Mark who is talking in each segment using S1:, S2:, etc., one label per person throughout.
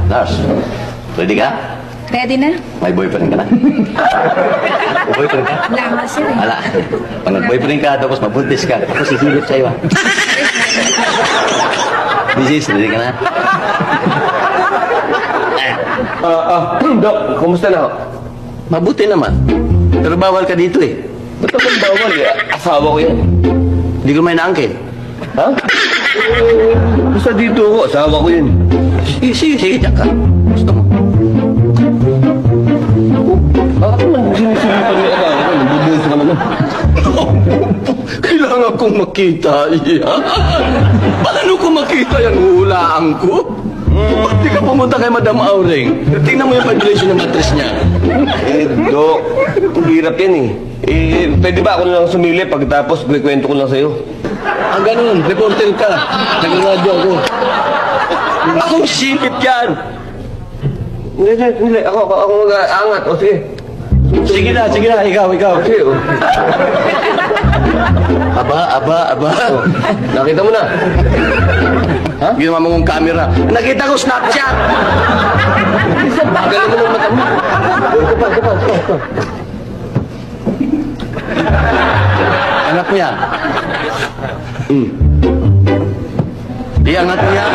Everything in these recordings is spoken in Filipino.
S1: Lars, ready ka?
S2: Ready na?
S1: May boyfriend ka na? May boyfriend ka?
S2: Wala nga sir eh.
S1: Ala, pag nag-boyfriend ka, tapos mabuntis ka, tapos sisilip sa'yo, ha? Mrs., ready ka na?
S3: Dok, kumusta na ho?
S1: Mabuti naman. Pero bawal ka dito, eh.
S3: Ba't naman bawal eh? Asawa ko yan.
S1: Hindi ko may naangkin.
S3: Ha? Basta dito ako, asawa ko yun.
S1: Sige, diyan ka. Gusto mo.
S3: Bakit naman sinisilipan niya asawa ko? Nagbubuhos ka naman.
S1: Kailangan kong makita yan. Paano ko makita yan? Hulaan ko? Ba't di ka pumunta kay Madam Auring? Tingnan mo yung vibration ng mattress niya.
S3: Dok, hirap yan eh. Pwede ba ako na lang sumili pagkatapos kwento ko lang sa'yo?
S1: Ang ganun, reporter ka. Nag-radio ako. Akong sipit yan.
S3: Hindi. Ako mag-aangat. O sige.
S1: Sige na, ikaw.
S3: Sige, o.
S1: Aba.
S3: Nakita mo na.
S1: Ha? Ginawa mo kong camera. Nakita ko Snapchat.
S3: Galing mo ng mata mo. Ito pa.
S1: Angat mo yan. Iangat mo yan.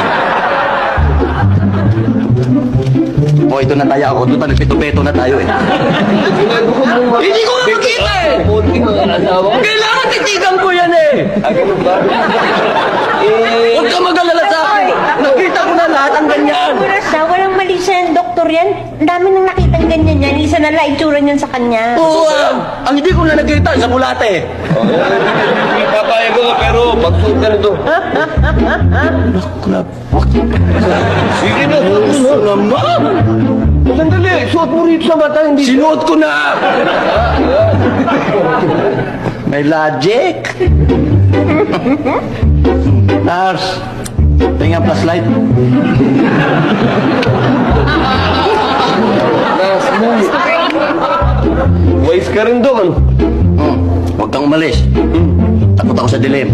S1: O, ito na tayo ako. Doon pa nagpito-peto na tayo eh. Hindi ko na makita eh!
S3: Kunti mo ang asawa ko.
S1: Kailangan titigan ko yan eh!
S3: Ganun ba?
S1: Huwag ka mag-alala sa akin! Nakita ko na lahat ang ganyan!
S4: Oras na, walang mali siya yung doktor yan. Ang dami nang nakitang ganyan yan. Isa na lang itsura niyan sa kanya.
S1: Oo, ang hindi ko na nakita sa bulate.
S3: Hindi papayag ko pero pagsuot ka nito. Sige na,
S1: Gusto naman!
S3: sandali. Suot mo rito sa mata, hindi.
S1: Sinuot ko na! May logic! Lars, tingnan plus light.
S3: Wise ka rin doon.
S1: Huwag kang umalis. Takot ako sa dilim.